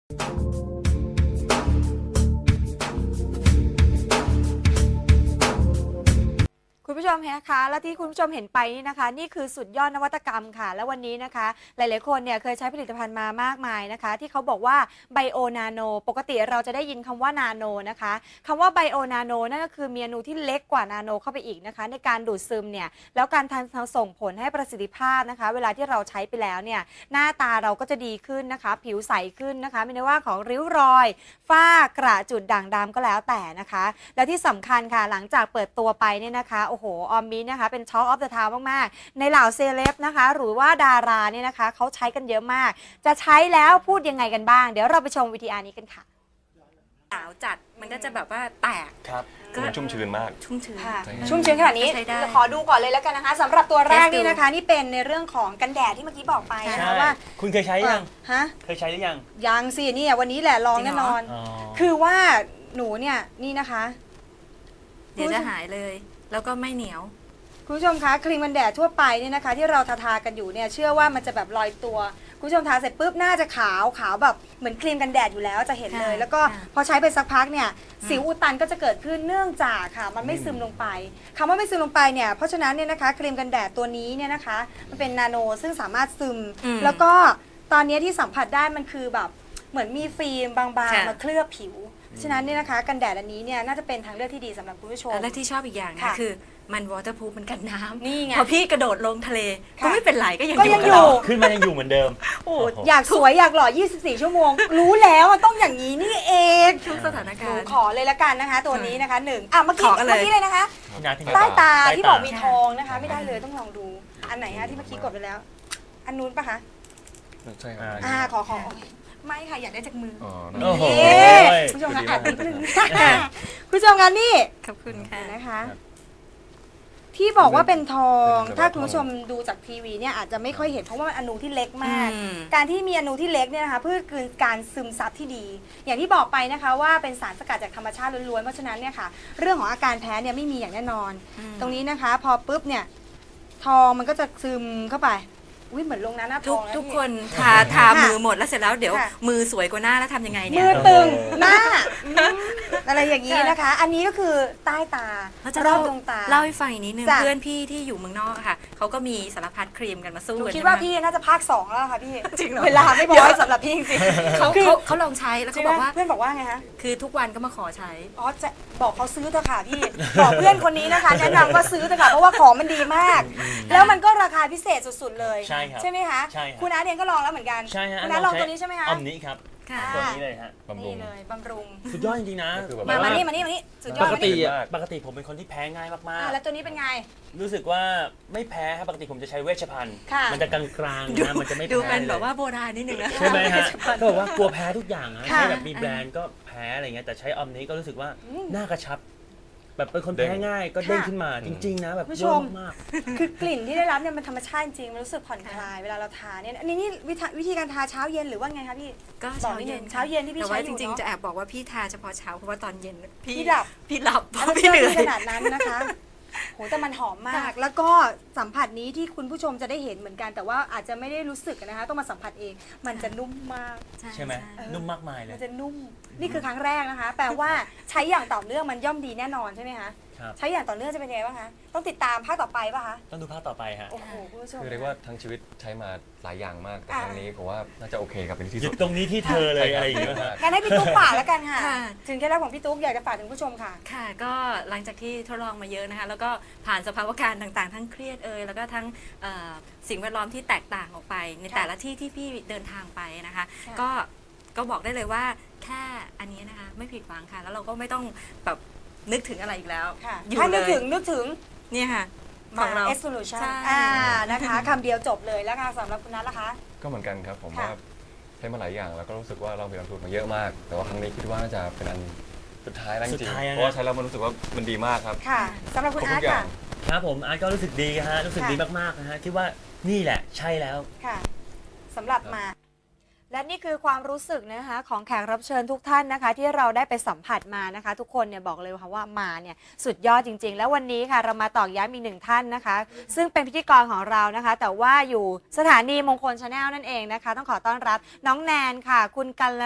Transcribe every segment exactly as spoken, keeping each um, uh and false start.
คุณผู้ชมคะและที่คุณผู้ชมเห็นไปนี่นะคะนี่คือสุดยอดนวัตกรรมค่ะและวันนี้นะคะหลายๆคนเนี่ยเคยใช้ผลิตภัณฑ์มามากมายนะคะที่เขาบอกว่าไบโอนาโนปกติเราจะได้ยินคำว่านาโนนะคะคำว่าไบโอนาโนนั่นก็คือมีอนูที่เล็กกว่านาโนเข้าไปอีกนะคะในการดูดซึมเนี่ยแล้วการทันส่งผลให้ประสิทธิภาพนะคะเวลาที่เราใช้ไปแล้วเนี่ยหน้าตาเราก็จะดีขึ้นนะคะผิวใสขึ้นนะคะไม่ว่าของริ้วรอยฝ้ากระจุดด่างดำก็แล้วแต่นะคะและที่สำคัญค่ะหลังจากเปิดตัวไปเนี่ยนะคะโอ้โหออมมินะคะเป็นช็อคออฟเดอะทาวน์มากๆในเหล่าเซเลบนะคะหรือว่าดาราเนี่ยนะคะเขาใช้กันเยอะมากจะใช้แล้วพูดยังไงกันบ้างเดี๋ยวเราไปชมวิดีโอนี้กันค่ะหนาวจัดมันก็จะแบบว่าแตกครับก็ชุ่มชื้นมากชุ่มชื้นชุ่มชื้นขนาดนี้ขอดูก่อนเลยแล้วกันนะคะสำหรับตัวแรกนี่นะคะนี่เป็นในเรื่องของกันแดดที่เมื่อกี้บอกไปนะคะว่าคุณเคยใช้ยังฮะเคยใช้หรือยังยังสินี่วันนี้แหละลองแน่นอนคือว่าหนูเนี่ยนี่นะคะเดี๋ยวจะหายเลยแล้วก็ไม่เหนียวคุณผู้ชมคะครีมกันแดดทั่วไปเนี่ยนะคะที่เราทาทากันอยู่เนี่ยเชื่อว่ามันจะแบบลอยตัวคุณผู้ชมทาเสร็จปุ๊บหน้าจะขาวขาวแบบเหมือนครีมกันแดดอยู่แล้วจะเห็นเลยแล้วก็พอใช้ไปสักพักเนี่ยสิวอุดตันก็จะเกิดขึ้นเนื่องจากค่ะมันไม่ซึมลงไปคำว่าไม่ซึมลงไปเนี่ยเพราะฉะนั้นเนี่ยนะคะครีมกันแดดตัวนี้เนี่ยนะคะมันเป็นนาโนซึ่งสามารถซึมแล้วก็ตอนนี้ที่สัมผัสได้มันคือแบบเหมือนมีฟิล์มบางๆมาเคลือบผิวฉะนั้นเนี่ยนะคะกันแดดอันนี้เนี่ยน่าจะเป็นทางเลือกที่ดีสำหรับคุณผู้ชมและที่ชอบอีกอย่างนะคือมันวอเตอร์พูฟมันกันน้ำนี่ไงพอพี่กระโดดลงทะเลก็ไม่เป็นไรก็ยังอยู่ขึ้นมายังอยู่เหมือนเดิมโอ้อยากสวยอยากหล่อยี่สิบสี่ชั่วโมงรู้แล้วมันต้องอย่างนี้นี่เองทุกสถานการณ์ขอเลยละกันนะคะตัวนี้นะคะหนึ่งอ่ะเมื่อกี้เมื่อกี้เลยนะคะใต้ตาที่บอกมีทองนะคะไม่ได้เลยต้องลองดูอันไหนฮะที่เมื่อกี้กดไปแล้วอันนู้นปะคะใช่ครับอ่าขอขอไม่ค่ะอยากได้จากมือโอ้โหผู้ชมคะอ่านนิดนึงผู้ชมคะนี่ขอบคุณค่ะนะคะที่บอกว่าเป็นทองถ้าคุณผู้ชมดูจากทีวีเนี่ยอาจจะไม่ค่อยเห็นเพราะว่ามันอนูที่เล็กมากการที่มีอนูที่เล็กเนี่ยนะคะเพื่อคือการซึมซับที่ดีอย่างที่บอกไปนะคะว่าเป็นสารสกัดจากธรรมชาติล้วนๆเพราะฉะนั้นเนี่ยค่ะเรื่องของอาการแพ้เนี่ยไม่มีอย่างแน่นอนตรงนี้นะคะพอปุ๊บเนี่ยทองมันก็จะซึมเข้าไปอุ้ยเหมือนลงน้ำหน้าทองทุกคนทาทามือหมดแล้วเสร็จแล้วเดี๋ยวมือสวยกว่าหน้าแล้วทำยังไงเนี่ยมือตึงหน้าอะไรอย่างนี้นะคะอันนี้ก็คือใต้ตารอบดวงตาเล่าให้ฟังอีกนิดนึงเพื่อนพี่ที่อยู่เมืองนอกค่ะเขาก็มีสารพัดครีมกันมาสู้กันคิดว่าพี่น่าจะภาคสองแล้วค่ะพี่เวลาไม่พอสำหรับพี่จริงๆเขาเขาลองใช้แล้วเขาบอกว่าเพื่อนบอกว่าไงคะคือทุกวันก็มาขอใช้อ๋อจะบอกเขาซื้อเถอะค่ะพี่บอกเพื่อนคนนี้นะคะแนะนำว่าซื้อเถอะค่ะเพราะว่าของมันดีมากแล้วมันก็ราคาพิเศษสุดๆเลยใช่ครับใช่ไหมคะคุณอาร์ตเองก็ลองแล้วเหมือนกันใช่ฮะคุณอาร์ตลองตัวนี้ใช่ไหมคะอมนี้ครับตัวนี้เลยฮะบำรุงเลยบำรุงสุดยอดจริงๆนะมามานี่มานี่มานี่สุดยอดปกติปกติผมเป็นคนที่แพ้ง่ายมากๆแล้วตัวนี้เป็นไงรู้สึกว่าไม่แพ้ครับปกติผมจะใช้เวชภัณฑ์มันจะกลางๆนะมันจะไม่แพ้ดูเป็นแบบว่าโบราณนิดนึงนะใช่ไหมฮะก็บอกว่ากลัวแพ้ทุกอย่างนะใช้แบบมีแบรนด์ก็แพ้อะไรเงี้ยแต่ใช้อมนี้ก็รู้สึกว่าหน้ากระชับแบบเป็นคนแพ้ง่ายก็เด้งขึ้นมาจริงๆนะแบบเยอะมากคือกลิ่นที่ได้รับเนี่ยมันธรรมชาติจริงมันรู้สึกผ่อนคลายเวลาเราทาเนี่ยอันนี้นี่วิธีการทาเช้าเย็นหรือว่าไงคะพี่ก็เช้าเย็นเช้าเย็นที่พี่ใช้จริงๆจะแอบบอกว่าพี่ทาเฉพาะเช้าเพราะว่าตอนเย็นพี่หลับพี่หลับเพราะพี่เหนื่อยขนาดนั้นนะคะโหแต่มันหอมมากแล้วก็สัมผัสนี้ที่คุณผู้ชมจะได้เห็นเหมือนกันแต่ว่าอาจจะไม่ได้รู้สึกนะคะต้องมาสัมผัสเองมันจะนุ่มมากใช่ไหมนุ่มมากมายเลยมันจะนุ่มนี่คือครั้งแรกนะคะแปลว่าใช้อย่างต่อเนื่องมันย่อมดีแน่นอนใช่ไหมคะใช้อย่างต่อเนื่องจะเป็นยังไงบ้างคะต้องติดตามภาคต่อไปป่ะคะต้องดูภาคต่อไปฮะโอ้โหคุณผู้ชมคือเรียกว่าทั้งชีวิตใช้มาหลายอย่างมากแต่ครั้งนี้ผมว่าน่าจะโอเคกับเป็นที่สุดตรงนี้ที่เธอเลยอะไรอย่างเงี้ยงั้นให้พี่ตุ๊กฝากแล้วกันค่ะถึงเคล็ดลับของพี่ตุ๊กอยากจะฝากถึงผู้ชมค่ะค่ะก็หลังจากที่ทดลองมาเยอะนะคะแล้วก็ผ่านสภาวะการต่างๆทั้งเครียดเอ่ยแล้วก็ทั้งสิ่งแวดล้อมที่แตกต่างออกไปในแต่ละที่ที่พี่เดินทางไปนะคะก็ก็บอกได้เลยว่าแค่อันนี้นะคะไม่ผิดหวังค่ะแล้วเราก็ไม่ต้องแบบนึกถึงอะไรอีกแล้วถ้านึกถึงนึกถึงเนี่ยค่ะของเรา Solution อ่านะคะคำเดียวจบเลยแล้วค่ะสำหรับคุณนัทล่ะคะก็เหมือนกันครับผมว่าใช้มาหลายอย่างแล้วก็รู้สึกว่าเรามีลงทุนมาเยอะมากแต่ว่าครั้งนี้คิดว่าน่าจะเป็นอันสุดท้ายแล้วจริงๆเพราะว่าใช้แล้วมันรู้สึกว่ามันดีมากครับค่ะสำหรับคุณอาร์ตค่ะครับผมอาร์ตก็รู้สึกดีฮะรู้สึกดีมากๆนะฮะที่ว่านี่แหละใช่แล้วค่ะสำหรับมาและนี่คือความรู้สึกนะคะของแขกรับเชิญทุกท่านนะคะที่เราได้ไปสัมผัสมานะคะทุกคนเนี่ยบอกเลยค่ะว่ามาเนี่ยสุดยอดจริงๆแล้ววันนี้ค่ะเรามาตอกย้ำอีกหนึ่งท่านนะคะซึ่งเป็นพิธีกรของเรานะคะแต่ว่าอยู่สถานีมงคลชาแนลนั่นเองนะคะต้องขอต้อนรับน้องแนนค่ะคุณกัล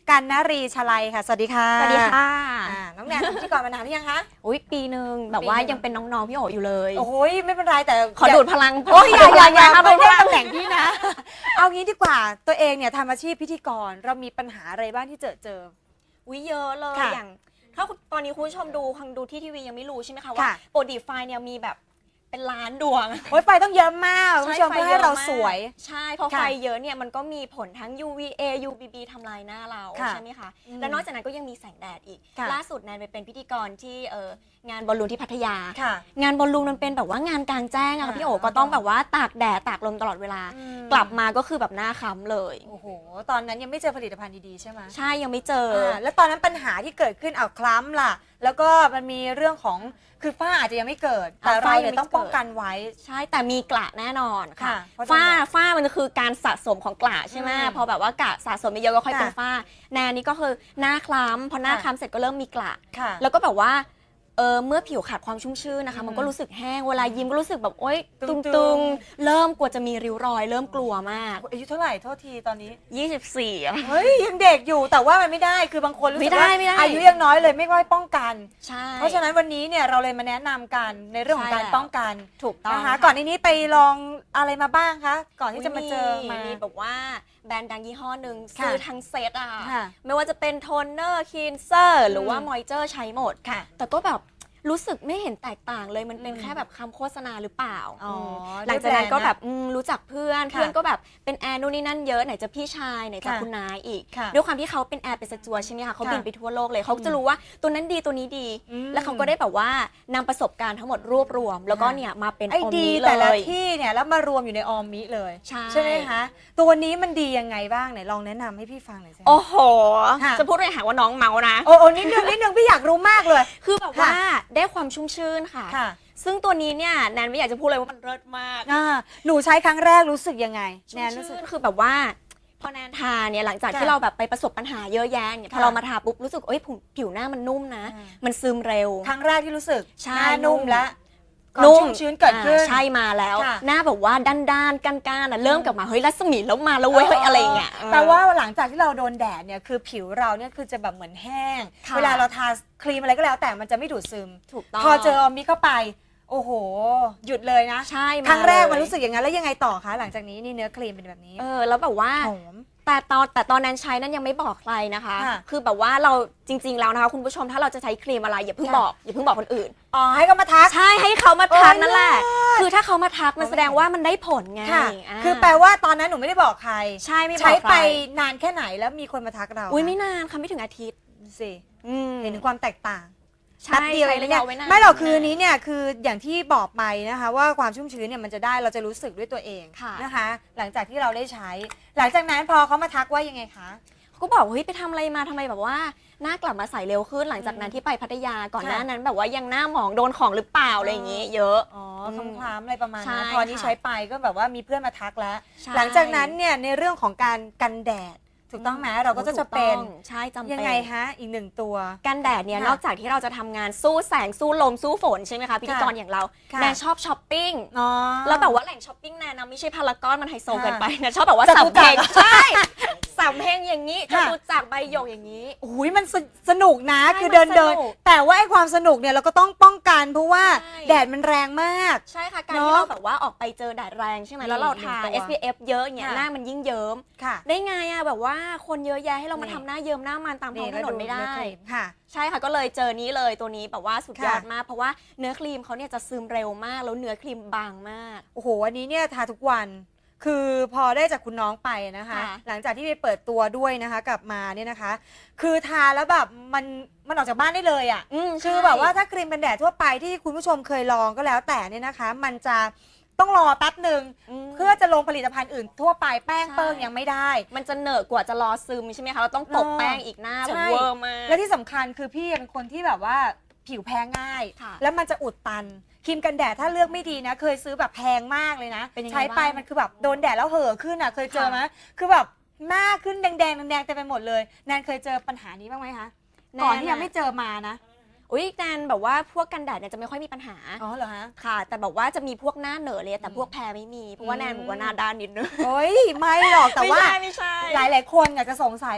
กันนรีชลัยค่ะ สวัสดีค่ะสวัสดีค่ะอ่าน้องแนนทำพิธีกรมานานหรือยังคะอุ้ยปีหนึ่งแบบว่าปีหนึ่งยังเป็นน้องๆพี่โออยู่เลยโอ้ยไม่เป็นไรแต่ขอดูดพลังโอ้ยอย่าอย่าอย่าขไปดูดพเล่นลังตำแหน่งพี่นะ เอางี้ดีกว่าตัวเองเนี่ยทำอาชีพพิธีกรเรามีปัญหาอะไรบ้างที่เจอเจออุ้ยเยอะเลยค่ะอย่างถ้าตอนนี้คุณผู้ชมดูคังดูที่ทีวียังไม่รู้ใช่ไหมคะว่าค่ะโปรดีไฟเนี่ยมีแบบเป็นล้านดวงโอ้ยไฟต้องเยอะมากคุณผู้ชมไฟเพื่อให้เรามกสวยใช่เพราะค่ะไฟเยอะเนี่ยมันก็มีผลทั้ง ยู วี เอ ยู วี บี ทำลายหน้าเราค่ะใช่ไหมคะอืมและนอกจากนั้นก็ยังมีแสงแดดอีกค่ะล่าสุดแนนไปเป็นพิธีกรที่เอองานบอลลูนที่พัทยาค่ะงานบอลลูนมันเป็นแบบว่างานกลางแจ้งอะค่ะพี่โอก็ต้องแบบว่าตากแดดตากลมตลอดเวลาอืมกลับมาก็คือแบบหน้าค้ำเลยโอ้โหตอนนั้นยังไม่เจอผลิตภัณฑ์ดีๆใช่ไหมใช่ยังไม่เจออ่าแล้วตอนนั้นปัญหาที่เกิดขึ้นเอาคล้ำล่ะ แล้วก็มันมีเรื่องของคือฝ้าอาจจะยังไม่เกิด แต่อ่าเราฝ้ายังเนี่ยไม่ต้องป้องเกิดกันไว้ใช่แต่มีกระแน่นอนค่ะค่ะเพราะฝ้าฉะนั้นฝ้ามันคือการสะสมของกระใช่ไหมอืมพอแบบว่ากระสะสมเยอะๆก็ค่อยค่ะเป็นฝ้าแนนนี่ก็คือหน้าคล้ำพอหน้าค่ะคล้ำเสร็จก็เริ่มมีกระค่ะแล้วก็แบบว่าเออเมื่อผิวขาดความชุ่มชื้นนะคะอืมมันก็รู้สึกแห้งเวลายิ้มก็รู้สึกแบบโอ๊ยตึตึงงๆตึงๆเริ่มกลัวจะมีริ้วรอย เริ่มกลัวมากอายุเท่าไหร่โทษทีตอนนี้ยี่สิบสี่อะเฮ้ยยังเด็กอยู่แต่ว่ามันไม่ได้คือบางคนรู้สึไม่กได้ว่าไม่ได้อายุยังน้อยเลยไม่ค่อยป้องกันใช่เพราะฉะนั้นวันนี้เนี่ยเราเลยมาแนะนำกันในเรื่องของใช่การแล้วป้องกันถูกต้องนะคะค่ะก่อนในนี้ไปลองอะไรมาบ้างคะก่อนที่จะมาเจอมามีแบบว่าแบรนด์ดังยี่ห้อหนึ่งค่ะซื้อทั้งเซตอะค่ะไม่ว่าจะเป็นโทนเนอร์คลีนเซอร์หรือว่าอืมมอยเจอร์ใช้หมดค่ะแต่ก็แบบรู้สึกไม่เห็นแตกต่างเลยมันเป็นอืมแค่แบบคำโฆษณาหรือเปล่าอ๋อมหลังจากนั้นก็ด้วยแบรนด์นะแบบอืมรู้จักเพื่อนค่ะเพื่อนก็แบบเป็นแอร์นู่นนี่นั่นเยอะไหนจะพี่ชายไหนจะค่ะคุณนายอีกค่ะด้วยความที่เขาเป็นแอร์เป็นสจวตใช่ไหมคะเขาค่ะบินไปทั่วโลกเลยเขาจะรู้ว่าตัวนั้นดีตัวนี้ดีอืมแล้วเขาก็ได้แบบว่านำประสบการณ์ทั้งหมดรวบรวม แล้วก็ค่ะเนี่ยมาเป็นไอ้ออมดีนี้เลแต่ละยที่เนี่ยแล้วมารวมอยู่ในออมมิเลยใช่ไหมคะตัวนี้มันดียังไงบ้างไหนลองแนะนำให้พี่ฟังหน่อยสิโอ้โหค่ะจะพูดเลยหาว่าน้องเมานะโอ้โอ้นิดนึงนิดนึงพี่อยากรู้มากเลยคือแบบว่าได้ความชุ่มชื่นค่ะค่ะซึ่งตัวนี้เนี่ยแนนไม่อยากจะพูดเลยว่ามันเลิศมากอ่าหนูใช้ครั้งแรกรู้สึกยังไงชุ่แนมนรู้สึกชื่นคือแบบว่าพอแนนทาเนี่ยหลังจากค่ะที่เราแบบไปประสบปัญหาเยอะแยะเนี่ยพอค่ะเรามาทาปุ๊บรู้สึกเอ้ยผิวผิวหน้ามันนุ่มนะอ่ามันซึมเร็วครั้งแรกที่รู้สึกใช่หน้านุ่มนุ่มและนุ่ความชุ่มชื้นเกิดขึ้นอ่าใช่มาแล้วค่ะหน้าแบบว่าด้านด้านๆก้านก้านๆอ่ะเริ่มกลับมาเฮ้ยรัศมีแล้วมาแล้วเว้ยเฮ้ยอะไรอย่างเงี้ยแต่ว่าหลังจากที่เราโดนแดดเนี่ยคือผิวเราเนี่ยคือจะแบบเหมือนแห้งค่ะเวลาเราทาครีมอะไรก็แล้วแต่มันจะไม่ดูดซึมถูกต้องพอเจอออมมิเข้าไป โอ้โห หยุดเลยนะใช่าครั้งแรกมันเลยรู้สึกอย่างนั้นแล้วยังไงต่อคะหลังจากนี้นี่เนื้อครีมเป็นแบบนี้เออแล้วแบบว่าหอมแต่ตอนแต่ตอนนั้นใช้นั้นยังไม่บอกใครนะคะค่ะคือแบบว่าเราจริง ๆ แล้วนะคะคุณผู้ชมถ้าเราจะใช้ครีมอะไรอย่าเพิ่งค่ะบอกอย่าเพิ่งบอกคนอื่นอ๋อให้เขามาทักใช่ให้เขามาทักโอ้ยนั่นแหละเลิศคือถ้าเขามาทักมันแสดงว่ามันได้ผลไงค่ะาคือแปลว่าตอนนั้นหนูไม่ได้บอกใครใช่ไม่บอกใช้ไปใครนานแค่ไหนแล้วมีคนมาทักเราอุ้ยไม่นานค่ะไม่ถึงอาทิตย์สิอืมเห็นถึงความแตกต่างใช่แป๊บเดียวใช้เองระเนี่ยยะไว้นานไม่หรอกคือนี้เนี่ยคืออย่างที่บอกไปนะคะว่าความชุ่มชื้นเนี่ยมันจะได้เราจะรู้สึกด้วยตัวเองค่ะนะคะ หลังจากที่เราได้ใช้ หลังจากนั้นพอเขามาทักว่ายังไงคะก็บอกเฮ้ยไปทำอะไรมาทำไมแบบว่าหน้ากลับมาใสเร็วขึ้นหลังจากนั้นที่ไปพัทยาก่อนค่ะหน้านั้นแบบว่ายังหน้าหมองโดนของหรือเปล่าอะไรอย่างงี้เยอะอ๋ออืมคล้ำๆอะไรประมาณใช่นั้นพอนี้ค่ะใช้ไปก็แบบว่ามีเพื่อนมาทักแล้วใช่หลังจากนั้นเนี่ยในเรื่องของการกันแดดถูกต้องไหมเราก็จะจะเป็นถูกต้องใช่จำเป็นยังไงฮะอีกหนึ่งตัวกันแดดเนี่ยค่ะนอกจากที่เราจะทำงานสู้แสงสู้ลมสู้ฝนใช่ไหมคะพิธีกรอย่างเราค่ะแนนชอบช้อปปิ้งอ๋อแล้วแบบว่าแหล่งช้อปปิ้งแนนนะไม่ใช่พารากอนมันไฮโซค่ะเกินไปนะชอบแบบว่าจตุสามจัเพกลรงใช่สามเพลงอย่างนี้จค่ะตุจักรใบหยกอย่างนี้โอ้ยมันสสนุกนะใช่คือเดินมันสเดินนุกแต่ว่าไอ้ความสนุกเนี่ยเราก็ต้องป้องกันเพราะว่าใช่แดดมันแรงมากใช่ค่ะการเนอะที่เราแบบว่าออกไปเจอแดดแรงใช่ไหมนี่แล้วเราทาหนึ่งตัวเอส พี เอฟ เยอะอย่างเงี้ยค่ะหน้ามันยิ่งเยิ้มค่ะได้ไงอะแบบว่าคนเยอะแยะให้เรามานี่ทำหน้าเยิ้มหน้ามันตามท้องถนนไม่ได้ค่ะใช่ค่ะก็เลยเจอนี้เลยตัวนี้แบบว่าสุดยอดค่ะมาก เพราะว่าเนื้อครีมเขาเนี่ยจะซึมเร็วมากแล้วเนื้อครีมบางมากโอ้โหอันนี้เนี่ยทาทุกวัน คือพอได้จากคุณน้องไปนะคะค่ะหลังจากที่ไปเปิดตัวด้วยนะคะกลับมาเนี่ยนะคะ คือทาแล้วแบบมันมันออกจากบ้านได้เลยอ่ะอืมคือใช่แบบว่าถ้าครีมกันแดดทั่วไปที่คุณผู้ชมเคยลองก็แล้วแต่เนี่ยนะคะ มันจะต้องรอแป๊บหนึ่งมเพื่อจะลงผลิตภัณฑ์อื่นทั่วไปแป้งใช่เปิ้งยังไม่ได้มันจะเหนอะกว่าจะรอซึมใช่ไหมคะเราต้องตบเออแป้งอีกหน้าแบใช่บเวอร์มากและที่สำคัญคือพี่เป็นคนที่แบบว่าผิวแพ้ง่ายค่ะแล้วมันจะอุดตันครีมกันแดดถ้าเลือกไม่ดีนะ เคยซื้อแบบแพงมากเลยนะเป็นยังไงใช้ไปบ้างมันคือแบบโดนแดดแล้วเห่อะขึ้นอ่ะเคยเจอค่ะไหมคือแบบหน้าขึ้นแดงแดงๆแดงๆเต็มไปหมดเลยแนนเคยเจอปัญหานี้บ้างไหมคะก่อนที่ยังไม่เจอมานะอุ้ยแนนแบบว่าพวกกันแดดเนี่ยจะไม่ค่อยมีปัญหาอ๋อเหรอฮะค่ะ แต่แบบว่าจะมีพวกหน้าเหนอะเลยแต่อืมพวกแพ้ไม่มีเพราะว่าอืมแนนบอกว่าหน้าด้านนิดนึงโอ้ยไม่หรอกแต่ว่าไม่ใช่ไม่ใช่หลายๆคนอยากจะสงสัย